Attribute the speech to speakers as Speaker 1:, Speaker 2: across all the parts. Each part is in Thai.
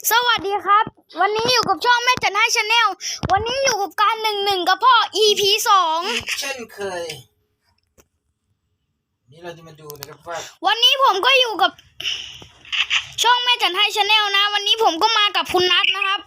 Speaker 1: สวัสดีครับวันนี้อยู่กับช่องแม่จันให้ชาแนลวันนี้อยู่กับการ1-1กับพ่อ EP 2
Speaker 2: เช่นเคยนี่เราจะมาดูนะครับว่า
Speaker 1: วันนี้ผมก็อยู่กับช่องแม่จันให้ชาแนลนะวันนี้ผมก็มากับคุณนัทนะครับ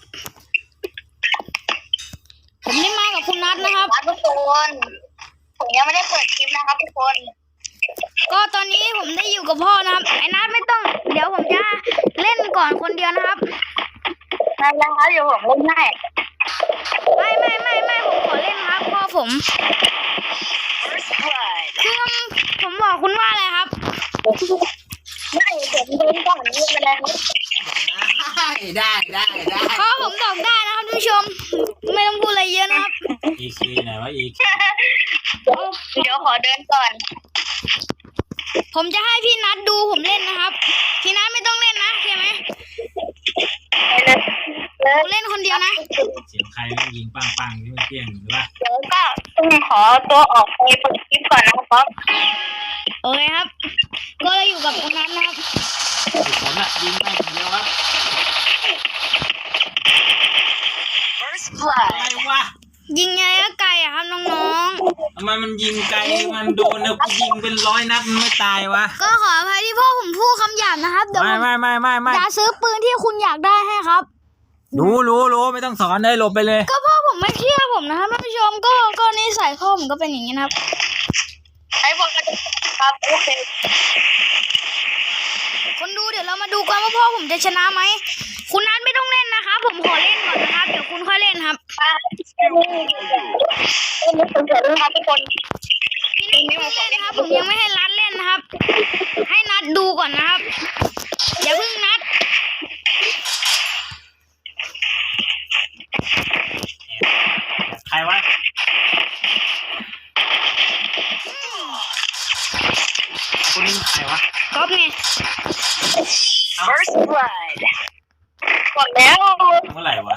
Speaker 1: ผมได้มากับคุณนัทนะครับ
Speaker 3: ทุกคนผมยังไม่ได้เปิดคลิปนะครับทุกคน
Speaker 1: ก็ตอนนี้ผมได้อยู่กับพ่อนะครับไอ้นัทไม่ต้องเดี๋ยวผมจะเล่นก่อนคนเดียวนะครับ
Speaker 3: ได้แล้วครับเดี๋ยวผมเล่นให้
Speaker 1: ไม่ผมขอเล่นครับพ่อผมคือผมบอกคุณว่าอะไรครับ
Speaker 3: ไม่ผมเล่นก่อนนี่เป็นไรครับ
Speaker 2: ได้
Speaker 1: พ่อผมบอกได้นะครับท่านผู้ชมไม่ต้องพูดอะไรเยอะนะครับ
Speaker 2: EK ไหนวะ EK
Speaker 3: เดี๋ยวขอเดินก่อน
Speaker 1: ผมจะให้พี่นัทดูผมเล่นนะครับพี่นัทไม่ต้องเล่นนะโอเคไหมผมเล่นคนเดียวนะ
Speaker 2: เสียงใครมันยิงปังที่มันเปี้ยงหรือว่า
Speaker 3: เดี๋ยวก็ต้องขอตัวออกไปเปิดคลิปก่อนนะครับ
Speaker 1: โอเคครับก็เราอยู่กับคุณนัทนะครับ
Speaker 2: ผมอะยิงไปคนเดียวครับอะไรวะ
Speaker 1: ยิงไงก็ไกลอะครับน้อง
Speaker 2: ๆทำไมมันยิงไกลมันโดนนะกูยิงเป็น100 นัดมันไม่ตายวะ
Speaker 1: ก็ขออภัยที่พ่อผมพูดคำหยาบนะครับเดี๋ยว
Speaker 2: ไม่
Speaker 1: จะซื้อปืนที่คุณอยากได้ให้ครับ
Speaker 2: รู้ไม่ต้องสอนเลยหลบไปเลย
Speaker 1: ก็พ่อผมไม่เชื่อผมนะครับท่านผู้ชมก็นิสัยพ่อผมก็เป็นอย่างนี้นะครับ
Speaker 3: ไอ้พวกครับโอเค
Speaker 1: คนดูเดี๋ยวเรามาดูกันว่าพ่อผมจะชนะไหมคุณนัทไม่ต้องเล่นนะคะผมขอเล่นก่อนนะครับเดี๋ยวคุณค่อยเล่นครับ
Speaker 3: ครับทุกคน
Speaker 1: พี่นัทไม่ต้องเล่นนะครับผมยังไม่ให้นัทเล่นนะครับให้นัทดูก่อนนะครับอย่าเพิ่งนัท
Speaker 2: ใครวะคนนี้ใครวะ
Speaker 1: ก๊อฟไง
Speaker 3: First blood หมดแล้ว
Speaker 2: เมื่อไหร่วะ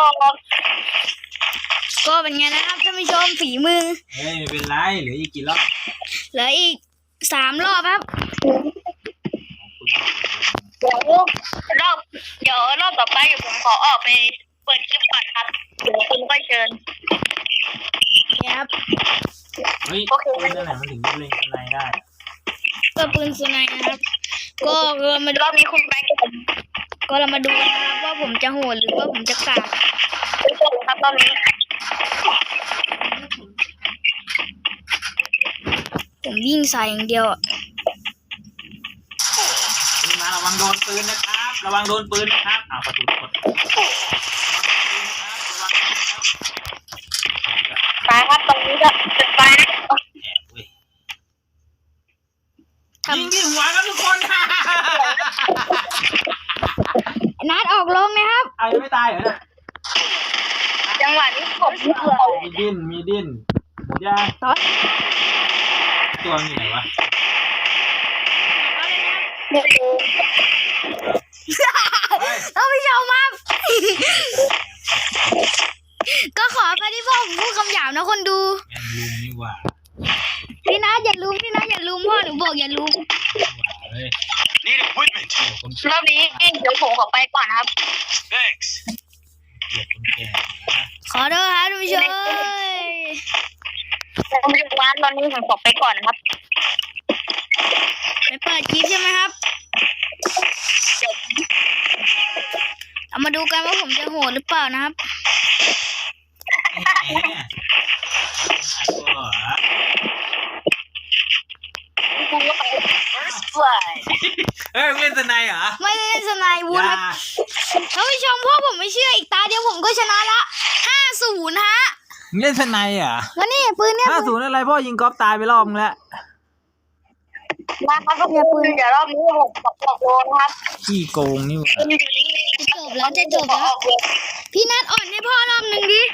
Speaker 1: ก็เป็นไงนะครับท่านผู้ชมฝีมือ
Speaker 2: เฮ้ยไม่เป็นไรเหลืออีกกี่รอบ
Speaker 1: เหลืออีก3 รอบครับ
Speaker 3: เดี๋ยวรอบต่อไปเดี๋ยวผมขอออกไปเปิดคลิปก่อนครับเดี๋ยวคุณก็เชิญ
Speaker 1: ครับ
Speaker 2: เฮ้ยปืนอะไรมันถึงเล่นข้างในได้
Speaker 1: ก็ปืนสไนนะครับก็เรามาดู
Speaker 3: รอบนี้คุณไป
Speaker 1: ก็เรามาดูกันนะครับว่าผมจะโหดหรือว่าผมจะกาก
Speaker 3: ครับรอบนี้
Speaker 1: ผมวิ่งใส่อย่างเดียว
Speaker 2: มาระวังโดนปืนนะครับระวังโดนปืนนะครับประตูกด
Speaker 3: ไปครับตรงนี้ก็จะไป
Speaker 2: ยิงที่หัวครับทุกคน
Speaker 1: นัดออกลงนะครับ
Speaker 2: เอายังไม่ตายเหรอเนี่ย
Speaker 3: จังหวะนี้ผม
Speaker 2: มีดิ้นหมดยาตัวมีไหนวะ
Speaker 1: ท่านผู้ชมครับก็ขอไปที่พ่อผมพูดคำหยาบนะคนดู
Speaker 2: ลุมนี่หว่า
Speaker 1: พี่นัทอย่าลุมพ่อหนูบอกอย่าลุม
Speaker 3: นี่รอบนี้เดี๋ยวผมขอไปก่อนครับ
Speaker 1: ขอโทษครับท่านผู้ชม
Speaker 3: ผมอยู่ร้านตอนนี้ผมขอไปก่อนนะครับ
Speaker 1: ไปเปิดคลิปใช่ไหมครับเอามาดูกันว่าผมจะโหดหรือเปล่านะครับ
Speaker 2: เฮ้ยเล่นสไนเหรอ
Speaker 1: ไม่เล่นสไนวุ้นท่านผู้ชมพ่อผมไม่เชื่ออีกตาเดียวผมก็ชนะละ5-0ฮะ
Speaker 2: เล่นสไนเหรอ
Speaker 1: แล้วนี่ปืนเนี่ย
Speaker 2: 5-0อะไรพ่อยิงก๊อฟตายไปรอบนึงแล้ว
Speaker 3: นะครับเนี่ยปืนเดี๋ยวรอบนี้ผมบอกโดนครับ
Speaker 2: ขี้โกงนี่วะ
Speaker 1: จะจบแล้วพี่นัทอ่อนให้พ่อรอบนึงดิ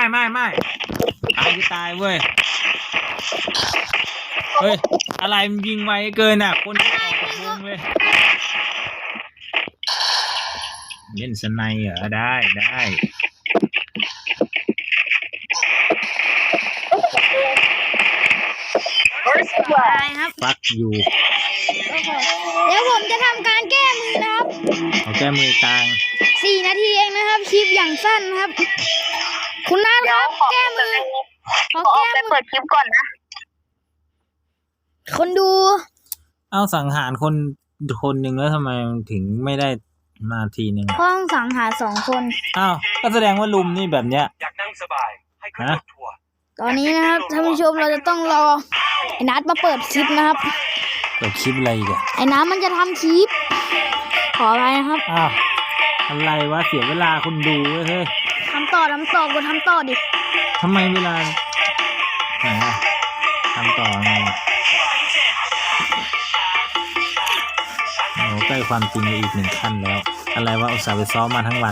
Speaker 2: ไม่ตายเว้ยเฮ้ยอะไรมันยิงไวเกินอ่ะคนออกจากวงเลยเล่นสไนเหรอได้
Speaker 1: ครับ
Speaker 2: ปักอยู่
Speaker 1: เดี๋ยวผมจะทำการแก้มือนะครับ
Speaker 2: เอาแก้มือกลาง
Speaker 1: 4 นาทีเองนะครับคลิปอย่างสั้นนะครับ คุณนัทค
Speaker 3: เดี๋ยว
Speaker 1: รับ
Speaker 3: ขอ
Speaker 1: แก้มือ
Speaker 3: ขอออกไปเปิดคลิปก่อนนะ
Speaker 1: คนดู
Speaker 2: เอาสังหารคนหนึ่งแล้วทำไมถึงไม่ได้มาทีหนึ่ง
Speaker 1: ห้องสังหาร2 คน
Speaker 2: อ้าวก็แสดงว่าลุมนี่แบบเนี้ย
Speaker 4: อยากนั่งสบายให้ขึ้นรถทัวร์
Speaker 1: ตอนนี้นะครับท่านผู้ชมเราจะต้องรอไอ้นัทมาเปิดคลิปนะครับ
Speaker 2: เปิดคลิปอะไรอีกอะ
Speaker 1: ไอ้น้ำมันจะทำคลิป ขออะไรนะครับ
Speaker 2: อ้าวอะไรวะเสียเวลาคนดูเว้ยเฮ้ย
Speaker 1: ทำต่อกดทำต่อดิ
Speaker 2: ทำไมเวลาไหนอะทำต่อไงโอ้ใกล้ความจริงไปอีก1 ขั้นแล้ว อะไรวะอุตส่าห์ไปซ้อมมาทั้งวัน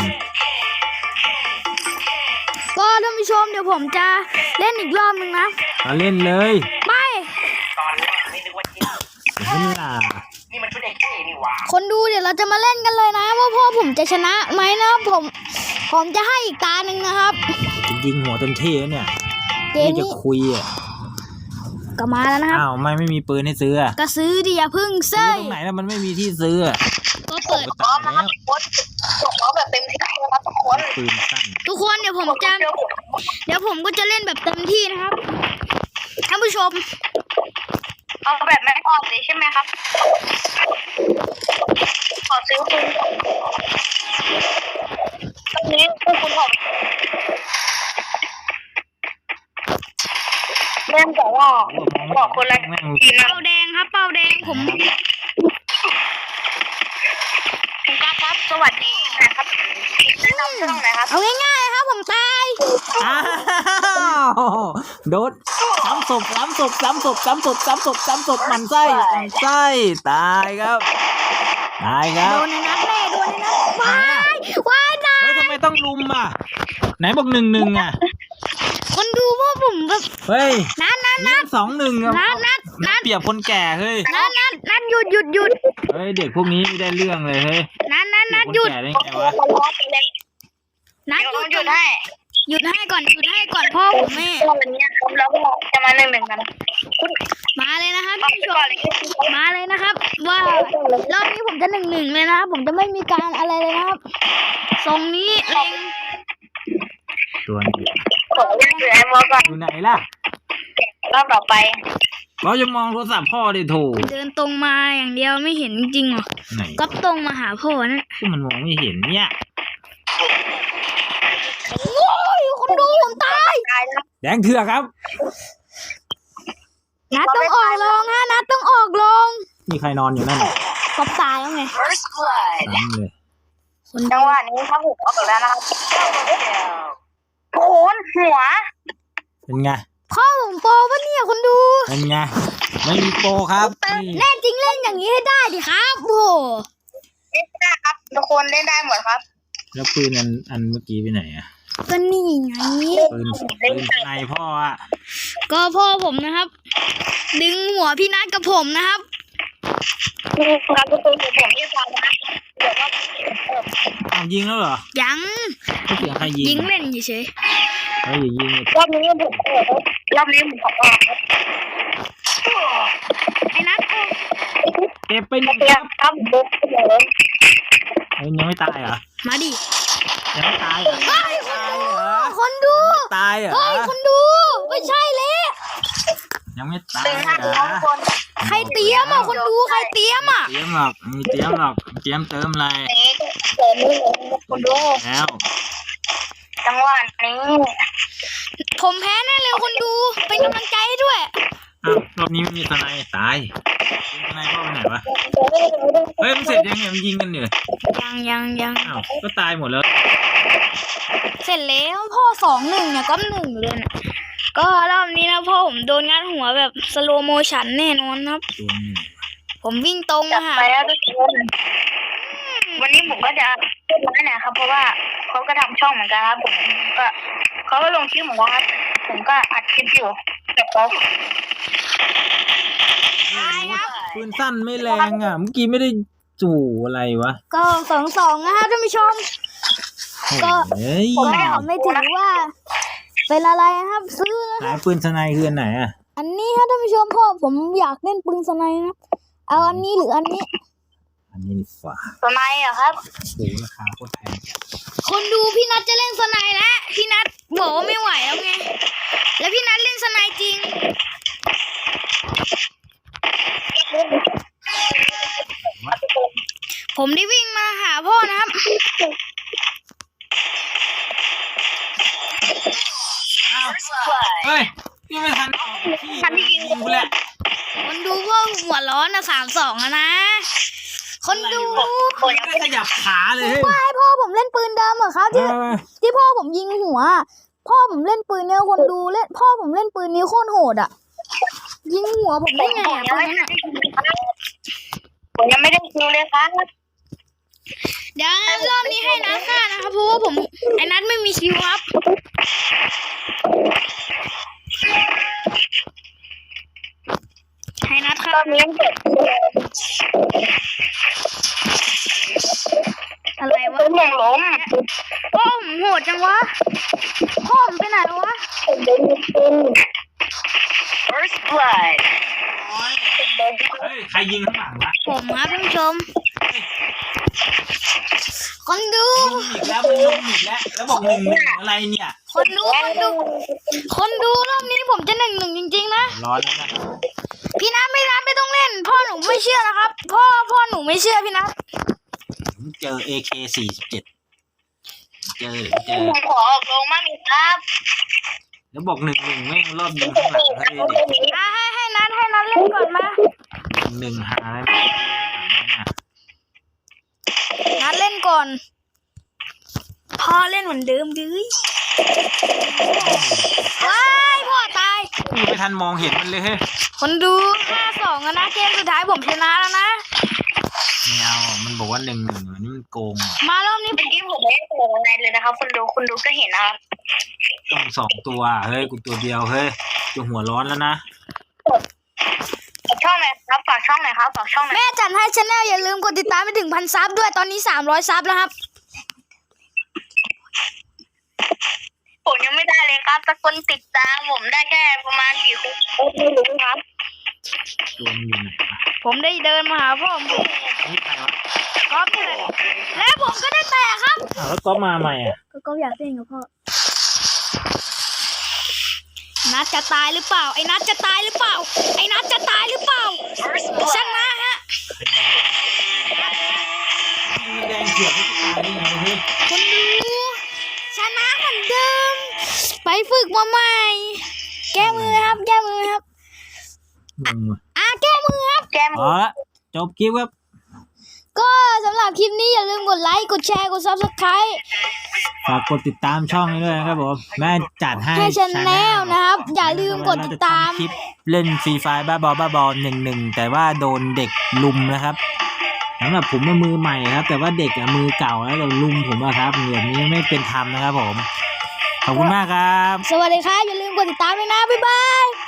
Speaker 1: ก็ท่านผู้ชมเดี๋ยวผมจะเล่นอีกรอบนึงนะ
Speaker 2: มาเล่นเลย
Speaker 1: ไป
Speaker 4: ตอนแรกไม่นึกว่าจริง
Speaker 2: เสียเวลา
Speaker 4: นี่มันชุดเด็กเท่นี่หว่า
Speaker 1: คนดูเดี๋ยวเราจะมาเล่นกันเลยนะว่าพ่อผมจะชนะไหมนะครับผมจะให้อีกตาหนึ่งนะครับ
Speaker 2: จะยิงหัวเต็มที่แล้วเนี่ย
Speaker 1: เกม
Speaker 2: นี่จะ
Speaker 1: นี้
Speaker 2: คุยอ่ะ
Speaker 1: ก็มาแล้วนะครับ
Speaker 2: อ้าวไม่มีปืนให้ซื้ออะ
Speaker 1: ก็ซื้อดิอย่าพึ่ง
Speaker 2: ซื้
Speaker 1: เซ้
Speaker 2: อย ตรงไหนแล้วมันไม่มีที่ซื้ออะ
Speaker 1: ก็เปิด
Speaker 2: ตายแล้ว
Speaker 3: โค้ชบอกแบบเต็มที่นะครับทุกคน
Speaker 2: ปืนสั้น
Speaker 1: ทุกคนเดี๋ยวผมก็จะเล่นแบบเต็มที่นะครับท่านผู้ชม
Speaker 3: เอาแบบไม่ออกเลยใช่ไหมครับ ขอซื้อคุณตรงนี้คือคุณผมเริ่มจากว่าบอกคนละ
Speaker 2: แม่ง
Speaker 3: ทีนะ
Speaker 1: เป้าแดงครับเป้าแดงผม
Speaker 3: คุณก้าครับ สวัสดีนะครับแนะนำช่องไหนครับ
Speaker 1: เอาง่ายๆครับผมตาย
Speaker 2: อ้าวโดนซ้ำศพมันไส้ตายครับตายครับ
Speaker 1: โดนในนัดแน่โดนในนัดว้ายตาย
Speaker 2: เฮ้ยทำไมต้องลุมอ่ะไหนบอก1-1อ่ะ
Speaker 1: คนดูพวกผมแบบ
Speaker 2: เฮ้ย
Speaker 1: นัด
Speaker 2: นี่2-1อ่ะ
Speaker 1: นัด
Speaker 2: เปรียบคนแก่เฮ้ย
Speaker 1: หยุด
Speaker 2: เฮ้ยเด็กพวกนี้ไม่ได้เรื่องเลยเฮ้ย
Speaker 1: นัด
Speaker 2: เปรี
Speaker 1: หยุ
Speaker 2: บ
Speaker 1: ด
Speaker 2: คนแก่ได้ไงวะ
Speaker 1: นัด
Speaker 3: เดี๋ยว
Speaker 1: หยุ
Speaker 3: เรา
Speaker 1: ด
Speaker 3: หยุดให้
Speaker 1: ก่อนพ่อผมแม่
Speaker 3: วันนี้ครับแล้วก็จะมาหนึ่งกันคุณ
Speaker 1: มาเลยนะครับ
Speaker 3: เอา
Speaker 1: ท่าน
Speaker 3: ไป
Speaker 1: ผู้ช
Speaker 3: ก่อ
Speaker 1: ม
Speaker 3: นเลย
Speaker 1: มาเลยนะครับ ว่ารอบนี้ผมจะ1-1เลยนะครับผมจะไม่มีการอะไรเลยนะครับทรงนี้เล็ง
Speaker 2: ตัวนี้
Speaker 3: ขอเรียกเสือไอ้มอก่อน
Speaker 2: อยู่ไหนล่ะ
Speaker 3: รอบต่อไป
Speaker 2: เราจะมองโทรศัพท์พ่อดิโถ
Speaker 1: เดินตรงมาอย่างเดียวไม่เห็นจริงเหรอ
Speaker 2: ไหน
Speaker 1: ก็ตรงมาหาพ่อนั่น
Speaker 2: ที่มันมองไม่เห็นเนี่ย
Speaker 1: โอ้ยคนดูผมตาย
Speaker 3: ตายแล้ว
Speaker 2: แดงเถื่อกครับ
Speaker 1: นัดต้องออกลงฮะนัดต้องออกลง
Speaker 2: มีใครนอนอยู่นั่นน่ะ
Speaker 1: ก็ตายแล้วไง
Speaker 2: ซ้ำเลย
Speaker 1: คน
Speaker 3: จังหวะนี้ครับผมออกแล้วนะครับโอ้โหหัว
Speaker 2: เป็นไง
Speaker 1: พ่อผมโปรปะเนี่ยคนดู
Speaker 2: เป็นไงไม่มีโปรครับนี่
Speaker 1: แน่จริงเล่นอย่างนี้ให้ได้ดิครับโอ้โห
Speaker 3: เล่นได้ครับทุกคนเล่นได้หมดครับ
Speaker 2: แล้วปืนอันเมื่อกี้ไปไหนอ่ะ
Speaker 1: ก็นี่ไง
Speaker 2: ปืนในพ่ออ่ะ
Speaker 1: ก็พ่อผมนะครับ ดึงหัวพี่นัทกับผมนะครับ
Speaker 3: ครับทุกคนผมที่ฟังนะเดี๋ยวว่า
Speaker 2: เอายิงแล้วเหรอ
Speaker 1: ยัง
Speaker 2: ไม่เสียงใครยิง
Speaker 1: ยิงเล่นเฉย
Speaker 2: เฮ้ยอย่ายิงเลย
Speaker 3: รอบนี้ผมรอบนี้ผมขอออกครับ
Speaker 1: ๆไอ้นัท
Speaker 2: เก็บไปหนึ่ง
Speaker 3: เตรี
Speaker 2: ค
Speaker 3: ย
Speaker 2: รั
Speaker 3: ม
Speaker 2: บ
Speaker 3: ครับผม
Speaker 2: เฮ้ยยังไม่ตายเหรอ
Speaker 1: มาดิ
Speaker 2: ยังไม่ตายเหรอ
Speaker 1: เฮ้ย
Speaker 2: ตายเหรอ
Speaker 1: คนดู
Speaker 2: ตายเหรอ
Speaker 1: เฮ้ยคนดูไม่ใช่เลย
Speaker 2: ยังไม่ตาย
Speaker 3: ตึง
Speaker 2: เห
Speaker 3: ห้าร
Speaker 2: อ
Speaker 3: ทุกคน
Speaker 1: ใครเตรียมอ่ะคนดูใครเตรียมอ่ะ
Speaker 2: เตรียมหรอกมีเตรียมหรอกเตรียมเติมอะไร
Speaker 3: นี้เสริมมือคุณดู
Speaker 2: แล้ว
Speaker 3: จังหวะนี้
Speaker 1: ผมแพ้แน่เลยคนดูเป็นกำลังใจให้ด้วย
Speaker 2: อ้าวรอบนี้ไม่มีทนายตายทนายพ่อไปไหนวะเฮ้ยมันเสร็จยังเนี่ยมันยิงกันอยู่
Speaker 1: ยัง
Speaker 2: อ้าวก็ตายหมดแล้ว
Speaker 1: เสร็จแล้วพ่อ2-1เนี่ยก็1เลยนะก็รอบนี้นะพ่อผมโดนงัดหัวแบบสโลโมชันแน่นอนครับ
Speaker 2: ตัวหนึ่ง
Speaker 1: ผมวิ่งตรง
Speaker 3: จั
Speaker 1: มา
Speaker 3: ด
Speaker 1: หา
Speaker 3: ไปแล้วทุกคนวันนี้ผมก็จะพูดน้อยหน่อยครับ เพราะว่าเขาก็ทำช่องเหมือนกันครับผมก็เขาก็ลงคลิปเหมือนกันครับผมก็อัดคลิปอยู่แต่เขา
Speaker 2: ปืนสั้นไม่แรงอ่ะเมื่อกี้ไม่ได้จู่อะไรวะ
Speaker 1: ก็2-2นะครับท่านผู้ชม ก็
Speaker 2: เฮ้ย
Speaker 1: ก็ไม่ถือว่า เป็นอะไรนะครับซื้อนะ
Speaker 2: ไหนปืนสไนคืออันไหนอ่ะ
Speaker 1: อันนี้ครับท่านผู้ชมพ่อผมอยากเล่นปืนสไนด์นะเอาอันนี้หรืออันนี้
Speaker 2: อันนนี้ดีกว่า
Speaker 3: สไนด์อะครับ
Speaker 2: โอ้โหราคาโคตรแพงจัด
Speaker 1: คนดูพี่นัทจะเล่นสไนด์แล้วพี่นัทบอกว่าไม่ไหวแล้วไงแล้วพี่นัทเล่นสไนด์จริงผมได้วิ่งมาหาพ่อนะครับ
Speaker 2: เฮ้ยพี่ไม่ทันออกที่ยิงกูแหละ
Speaker 1: คนดูพ่อหัวร้อนนะ3-2นะคนดู
Speaker 2: ไม่ขยับขาเลยเฮ้ย
Speaker 1: ว่าให้พ่อผมเล่นปืนดำเหรอครับที่พ่อผมยิงหัว พ่อผมเล่นปืนเนี่ยคนดูเล่นพ่อผมเล่นปืนนี้โคตรโหดอ่ะ ยิงหัวผมได้ไงอ่ะปืนนั้นอ่ะ
Speaker 3: ผมยังไม่ได้คิวเลยครับ
Speaker 1: เดี๋ยวรอบนี้ให้นัทฆ่านะครับเพราะว่าผมไอ้นัทไม่มีคิวครับ ให้นัทฆ่าร
Speaker 3: อบนี้เจ็บ
Speaker 1: อะไรวะ
Speaker 3: ผมมองล้ม
Speaker 1: พ่อผมโหดจังวะพ่อผมไปไหนแล้ววะ
Speaker 3: First blood
Speaker 2: เฮ้ยใครยิงข้างหลังวะ
Speaker 1: ผมครับท่านผู้ชม คนดู
Speaker 2: ยิงอีกแล้วมันลงอีกแล้วแล้วบอก1-1อะไรเนี่ย
Speaker 1: คนดูรอบนี้ผมจะ1-1จริงๆนะ
Speaker 2: ร้อนแล้วนะ
Speaker 1: พี่นัทไม่ต้องเล่น พ่อหนูไม่เชื่อนะครับ พ่อหนูไม่เชื่อพี่นัท
Speaker 2: ผมเจอ AK47 เจอ
Speaker 3: ผมขอออกลงมากครับ
Speaker 2: แล้วบอก1-1แม่งรอบยิงข้างหลังเฮ้ยเด็ก
Speaker 1: ให้นัทเล่นก่อนมา
Speaker 2: 1-1หาอะไรไม่ได้
Speaker 1: นัทเล่นก่อน พ่อเล่นเหมือนเดิมดื้อว้ายพ่อตาย
Speaker 2: กูไม่ทันมองเห็นมันเลยเฮ้ย
Speaker 1: คนดู5-2นะเกมสุดท้ายผมชนะแล้วนะ
Speaker 2: ไม่เอามันบอกว่า1-1อันนี้มันโกงอ่ะ
Speaker 1: มารอบนี้
Speaker 3: เมื่อกี้ผมไม่ได้โผล่อะไรเลยนะครับคุณดูก็เห็นนะครับ
Speaker 2: ต้อง2ตัวเฮ้ยกูตัวเดียวเฮ้ยจะหัวร้อนแล้วนะ
Speaker 3: ฝากช่องหน่อยครับฝากช่องหน่อยครับฝากช่องหน่อย
Speaker 1: แม่จัดให้ชาแนลอย่าลืมกดติดตามไปถึง1,000 ซับด้วยตอนนี้300 ซับแล้วครับ
Speaker 3: ผมยังไม่ได้เลยครับสักคนติดตามผมได้แค่ประมาณกี่คนไม่รู้ครับ
Speaker 2: ตัวมันอยู่ไหนวะ
Speaker 1: ผมได้เดินมาหาพ่อผม
Speaker 2: นี่ใครวะ
Speaker 1: ก๊อฟนี่แหละและผมก็ได้แตะครับ
Speaker 2: อ้าวแล้วก๊อฟมาใหม่อ่ะ
Speaker 1: ก็อยากเล่นกับพ่อ นัดจะตายหรือเปล่า ไอ้นัดจะตายหรือเปล่า ไอ้นัดจะตายหรือเปล่า ชนะฮะ
Speaker 2: มันแดงเขียวให้กูตายได้ไงเฮ้ย
Speaker 1: คนดูชนะเหมือนเดิม ไปฝึกมาใหม่ แก้มือครับ แก้มือครับ
Speaker 2: งงว่ะ
Speaker 1: แก้มือครับ
Speaker 3: แกม
Speaker 2: เอาละจบคลิปครับ
Speaker 1: ก็สำหรับคลิปนี้อย่าลืมกดไลค์ กดแชร์ กด Subscribe
Speaker 2: ฝากกดติดตามช่องนี้ด้วยนะครับผมแม่จัดให้
Speaker 1: ให้ชแนลนะครับ อย่าลืมกดติดตาม
Speaker 2: เรจะทำคลิปเล่นฟรีไฟบ้าบอ1-1แต่ว่าโดนเด็กลุมนะครับสำหรับผมเป็นมือใหม่ครับ แต่ว่าเด็กอะมือเก่าแล้วแต่ลุมผมอะครับแบบนี้ไม่เป็นธรรมนะครับผมขอบคุณมากครับ
Speaker 1: สวัสดีครับ อย่าลืมกดติดตามด้วยนะ บ๊ายบาย